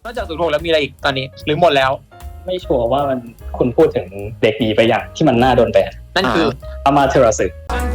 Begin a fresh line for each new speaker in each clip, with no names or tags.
นอกจาก06แล้วมีอะไรอีกตอนนี้หรือหมดแล้ว
ไม่ชัวร์ว่ามันคุณพูดถึงเด็กดีไปอย่างที่มันน่าโดนแบน
นั่นคือ
อามาเทราสึ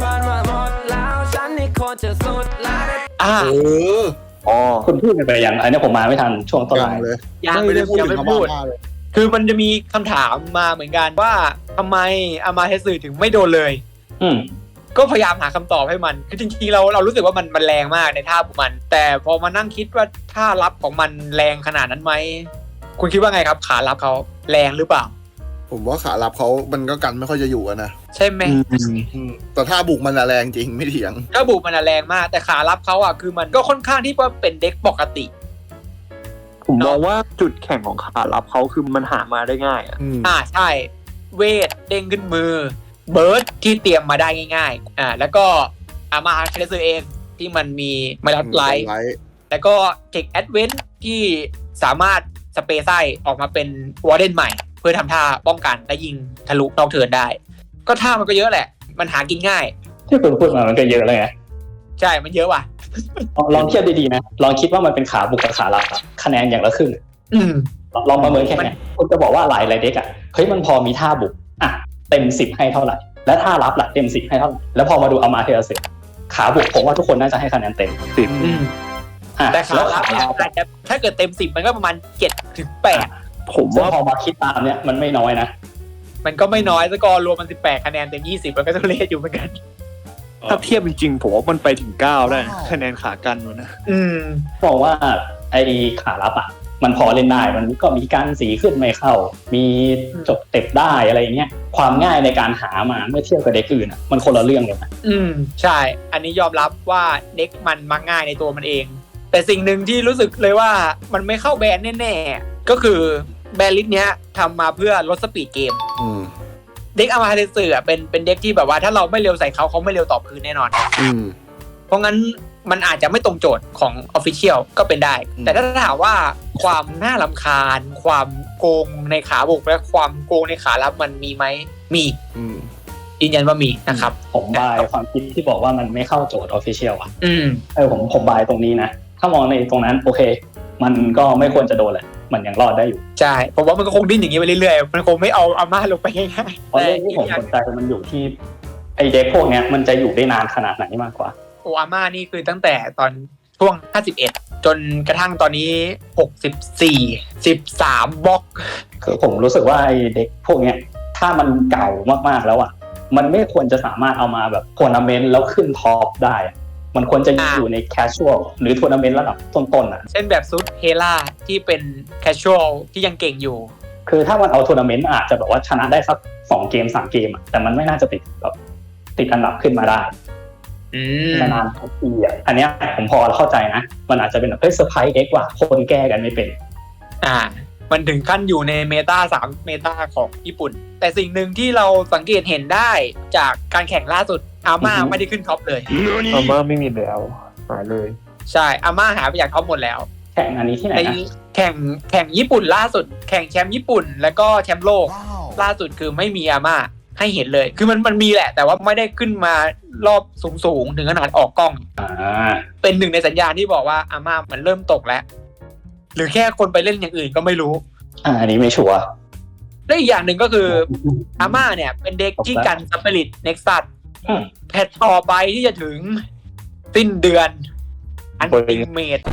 คุณพูดไปอย่างอันนี้ผมมาไม่ทันช่วงต้นไลน์
เลย
ยัง
ไม่ได้พูดถึง
ไม่พูดคือมันจะมีคำถามมาเหมือนกันว่าทำไมอามาเทสึถึงไม่โดนเลยก็พยายามหาคำตอบให้มันคือจริงๆเรารู้สึกว่ามันแรงมากในท่าของมันแต่พอมานั่งคิดว่าท่ารับของมันแรงขนาดนั้นไหมคุณคิดว่าไงครับขารับเขาแรงหรือเปล่า
ผมว่าขารับเขามันก็กันไม่ค่อยจะอยู่นะ
ใช่ไหม
แต่ท่าบุกมันแรงจริงไม่เถียง
ถ้าบุกมันแรงมากแต่ขารับเขาคือมันก็ค่อนข้างที่ว่าเป็นเด็กปกติ
ผมมองว่าจุดแข็งของขารับเขาคือมันหามาได้ง่าย
ใช่เวทเด้งขึ้นมือเบิร์ดที่เตรียมมาได้ง่ายๆแล้วก็อามาเทเลซเองที่มันมีมาลัดไลท์แล้วก็เทคแอดเวนท์ที่สามารถสเปซไซออกมาเป็นวอร์เดนใหม่เพื่อทำท่าป้องกันและยิงทะลุนอกเทิร์นได้ก็ท่ามันก็เยอะแหละมันหากินง่าย
ที่คุณพูดมามันก็เยอะเลยไง
ใช่มันเยอะว่ะ
ลองเทียบดีๆนะลองคิดว่ามันเป็นขาบุกกับขารับคะแนนอย่างละครึ่งลองประเมินแค่นี้คุณจะบอกว่าหลายเด็กเฮ้ยมันพอมีท่าบุกเต็ม10ให้เท่าไหร่และท่ารับล่ะเต็ม10ให้เท่าไหร่แล้วพอมาดูอามาเทราสึขาบุกผมว่าทุกคนน่าจะให้คะแนนเต็ม
10แต่ขารับเนี่ยอาจจะถ้าเกิดเต็ม10มันก็ประมาณ7 ถึง 8
ผมว่าพอมาคิดตามเนี่ยมันไม่น้อยนะ
มันก็ไม่น้อยสกอร์รวมมัน18คะแนนเต็ม20มันก็ต้องเละอยู่เหมือนกัน
ถ้าเทียบจริงๆผมว่ามันไปถึง9ได้คะแนนขากันอยู่นะ
บอกว่าไอ้ขารับมันพอเล่นได้มันก็มีการสีขึ้นไม่เข้ามีจบเต็บได้อะไรอย่างเงี้ยความง่ายในการหามาเมื่อเทียบกับเด็กอื่นมันคนละเรื่องเลยนะ
ใช่อันนี้ยอมรับว่าเด็กมันมักง่ายในตัวมันเองแต่สิ่งหนึ่งที่รู้สึกเลยว่ามันไม่เข้าแบนแน่ๆก็คือแบนลิสต์เนี้ยทำมาเพื่อลดสปีดเกมเด็กอามาเทสึเป็นเด็กที่แบบว่าถ้าเราไม่เร็วใส่เขาไม่เร็วตอบคืนแน่นอนเพราะงั้นมันอาจจะไม่ตรงโจทย์ของ Official ก็เป็นได้แต่ถ้าถามว่าความน่ารำคาญความโกงในขาบุกและความโกงในขารับมันมีไหมมียืนยันว่ามีนะครับ
ผมบายความคิดที่บอกว่ามันไม่เข้าโจทย์ Official ผมบายตรงนี้นะถ้ามองในตรงนั้นโอเคมันก็ไม่ควรจะโดนแหละมันยังรอดได้อยู่
ใช่ผมว่ามันก็คงดิ้นอย่างนี้ไปเรื่อยๆมันคงไม่เอาอาม่าลงไปง่าย
ๆเพราะเรื่องที่ผมสนใจมันอยู่ที่ไอเด็กพวกนี้มันจะอยู่ได้นานขนาดไหนมากกว่า
อาม่านี่คือตั้งแต่ตอนช่วง51จนกระทั่งตอนนี้64 13บล็อก
คือผมรู้สึกว่าไอเด็กพวกนี้ถ้ามันเก่ามากๆแล้วมันไม่ควรจะสามารถเอามาแบบทัวร์นาเมนต์แล้วขึ้นท็อปได้มันควรจะอยู่ในแคชชวลหรือทัวร์นาเมนต์ระดับต้นๆ
เช่นแบบซุดเฮล่าที่เป็นแคชชวลที่ยังเก่งอยู่
คือถ้ามันเอาทัวร์นาเมนต์อาจจะแบบว่าชนะได้สัก2 เกม 3 เกมแต่มันไม่น่าจะติดอันดับขึ้นมาได้นานทุกปีอันนี้ผมพอเข้าใจนะมันอาจจะเป็นแบบเซอร์ไพรส์เด็กว่าคนแก้กันไม่เป็น
มันถึงขั้นอยู่ในเมตา3เมตาของญี่ปุ่นแต่สิ่งหนึ่งที่เราสังเกตเห็นได้จากการแข่งล่าสุดอาม่าไม่ได้ขึ้นท็อปเลย
อาม่าไม่มีแล้วหายเลย
ใช่อาม่าหายไปจากท็อปหมดแล้ว
แข่งอันนี้ที่ไหนนะ
แข่งญี่ปุ่นล่าสุดแข่งแชมป์ญี่ปุ่นแล้วก็แชมป์โลกล่าสุดคือไม่มีอาม่าให้เห็นเลยคือมันมีแหละแต่ว่าไม่ได้ขึ้นมารอบสูงถึงขนาดออกกล้องเป็นหนึ่งในสัญญาณที่บอกว่าอาม่ามันเริ่มตกแล้วหรือแค่คนไปเล่นอย่างอื่นก็ไม่รู้
อันนี้ไม่ชัวร์
และอีกอย่างหนึ่งก็คืออาม่าเนี่ยเป็นเด็กที่กันสปิริตเน็กซัสแพทต่อไปที่จะถึงสิ้นเดือนอันติเมต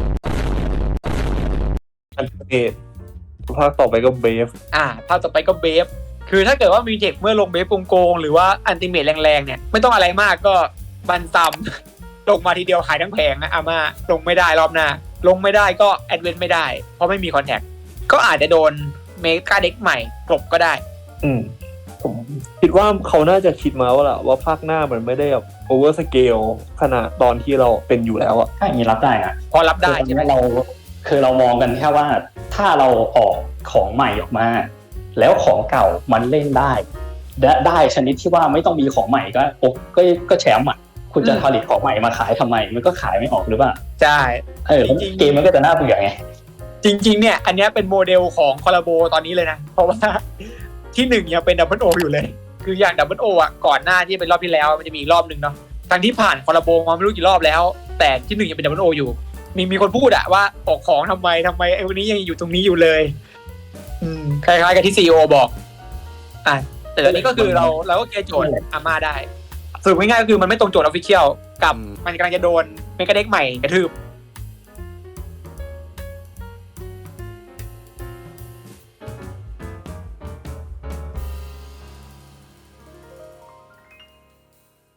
ภาคต่อไปก็เบฟ
ภาคต่อไปก็เบฟคือถ้าเกิดว่ามีเทคเมื่อลงเบฟโกงหรือว่าอันติเมตแรงๆเนี่ยไม่ต้องอะไรมากก็บันซัมลงมาทีเดียวขายทั้งแผงนะอาม่าลงไม่ได้รอบหน้าลงไม่ได้ก็แอดเวนต์ไม่ได้เพราะไม่มีคอนแทคก็อาจจะโดนเมกาเด็กใหม่กลบก็ได้
ผมคิดว่าเขาน่าจะคิดมาว่าภาคหน้ามันไม่ได้แบบโอเวอร์สเกลขนาดตอนที่เราเป็นอยู่แล้ว
ถ้าอย่างนี้รับได้นะ
พอรับได้ใช่ไหม
เรามองกันแค่ว่าถ้าเราออกของใหม่ออกมาแล้วของเก่ามันเล่นได้ชนิดที่ว่าไม่ต้องมีของใหม่ก็แชมป์คุณจะผลิตของใหม่มาขายทำไมมันก็ขายไม่ออกหรือเปล่า
ใช่
เกมมันก็จะน่าเบื่อไง
จริงๆเนี่ยอันนี้เป็นโมเดลของคอลลาโบตอนนี้เลยนะเพราะว่าที่1ยังเป็นดับเบิลโออยู่เลยคืออย่างดับเบิลโอก่อนหน้าที่เป็นรอบที่แล้วมันจะมีอีกรอบนึงเนาะทั้งที่ผ่านคอลลาโบมาไม่รู้กี่รอบแล้วแต่ที่1ยังเป็นดับเบิลโออยู่มีคนพูดอะว่าออกของทำไมไอ้วันนี้ยังอยู่ตรงนี้อยู่เลยคล้ายๆกับที่ซีอีโอบอกแต่ตอนนี้ก็คือเราก็แก้โจทย์อาม่าได้สรุปง่ายๆก็คือมันไม่ตรงโจทย์ออฟฟิเชียลกับมันกำลังจะโดนเมกาเด็กใหม่กระทืบ